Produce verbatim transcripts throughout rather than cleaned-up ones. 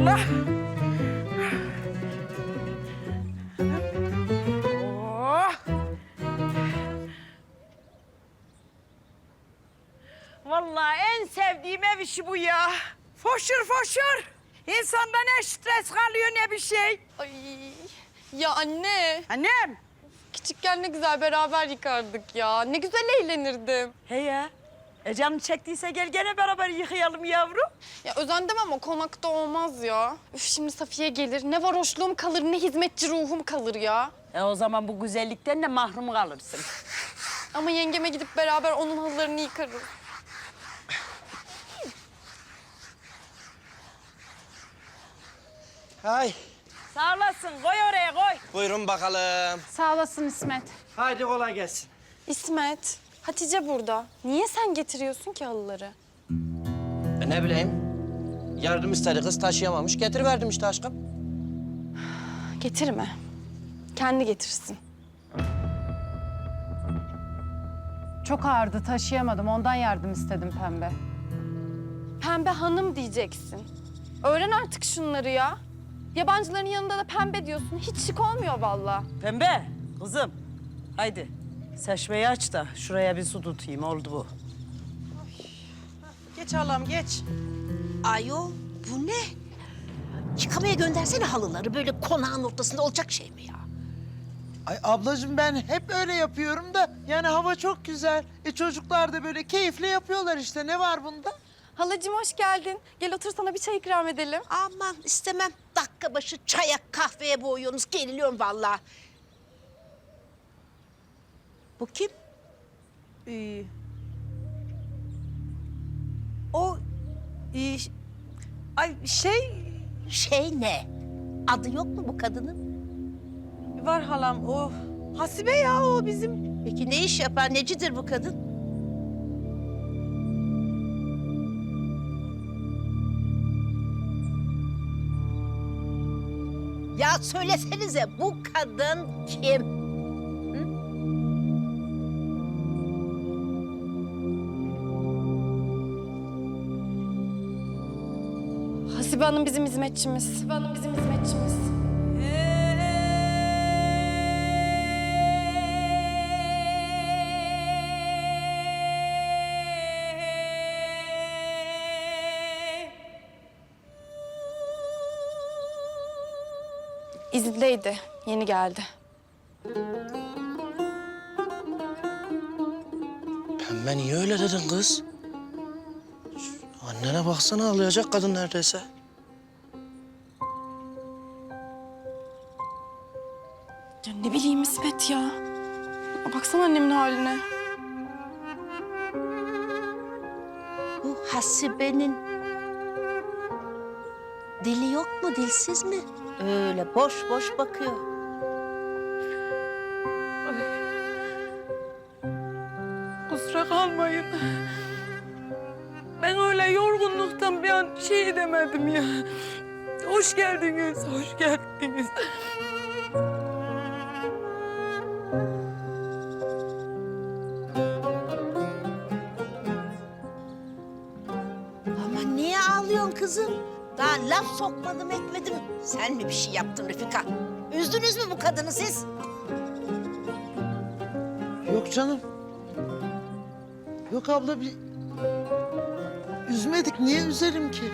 Allah. Oh. Vallahi en sevdiğim ev işi bu ya. Foşur foşur. İnsanda ne stres kalıyor ne bir şey. Ay ya anne. Annem. Küçükken ne güzel beraber yıkardık ya. Ne güzel eğlenirdim. He ya. E canın çektiyse gel gene beraber yıkayalım yavrum. Ya özendim ama konakta olmaz ya. Üf şimdi Safiye gelir. Ne varoşluğum kalır ne hizmetçi ruhum kalır ya. E o zaman bu güzellikten de mahrum kalırsın. Ama yengeme gidip beraber onun halılarını yıkarız. Hay. Sağ olasın. Koy oraya koy. Buyurun bakalım. Sağ olasın İsmet. Haydi kolay gelsin. İsmet, Hatice burada. Niye sen getiriyorsun ki halıları? E ne bileyim. Yardım istedi kız taşıyamamış. Getiriverdim işte aşkım. Getirme. Kendi getirsin. Çok ağırdı, taşıyamadım. Ondan yardım istedim Pembe. Pembe hanım diyeceksin. Öğren artık şunları ya. Yabancıların yanında da pembe diyorsun. Hiç şık olmuyor vallahi. Pembe kızım. Haydi. Seçmeyi aç da şuraya bir su tutayım. Oldu bu. Geç halam geç. Ayol bu ne? Yıkamaya göndersene halıları. Böyle konağın ortasında olacak şey mi ya? Ay ablacığım ben hep öyle yapıyorum da yani hava çok güzel. E çocuklar da böyle keyifle yapıyorlar işte. Ne var bunda? Halacığım hoş geldin. Gel otur sana bir çay ikram edelim. Aman istemem. Dakika başı çaya kahveye boğuyorsunuz. Geriliyorum vallahi. Bu kim? Ee, o ee, ay şey Şey ne? Adı yok mu bu kadının? var halam o Hasibe ya o bizim. Peki ne iş yapar? Necidir bu kadın? Ya söylesenize bu kadın kim? Hasibe Hanım bizim hizmetçimiz. Hasibe Hanım bizim hizmetçimiz. İzindeydi. Yeni geldi. Pembe niye öyle dedin kız? Şu annene baksana ağlayacak kadın neredeyse. Ya ne bileyim İsmet ya. Baksana annemin haline. Bu Hasibe'nin dili yok mu, dilsiz mi? Öyle boş boş bakıyor. Kusura kalmayın. Ben öyle yorgunluktan bir an şey edemedim ya. Hoş geldiniz, hoş geldiniz. Ama niye ağlıyorsun kızım? Daha laf sokmadım etmedim. Sen mi bir şey yaptın Refika? Üzdünüz mü bu kadını siz? Yok canım. Yok abla bir üzmedik. Niye üzerim ki?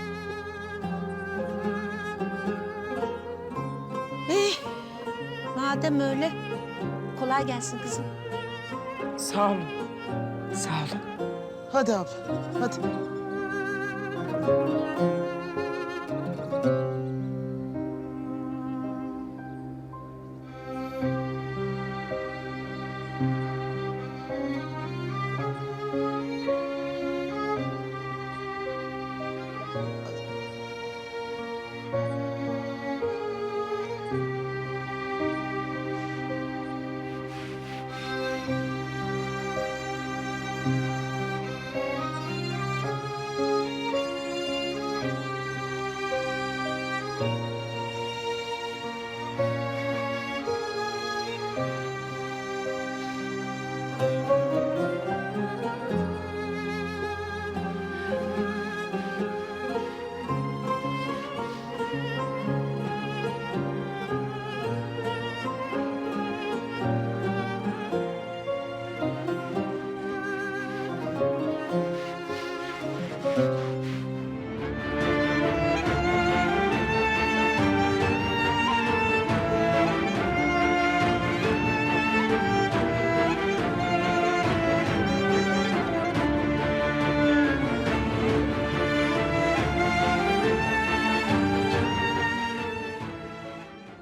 Eh, madem öyle kolay gelsin kızım. Sağ olun, sağ olun. Hadi abla hadi.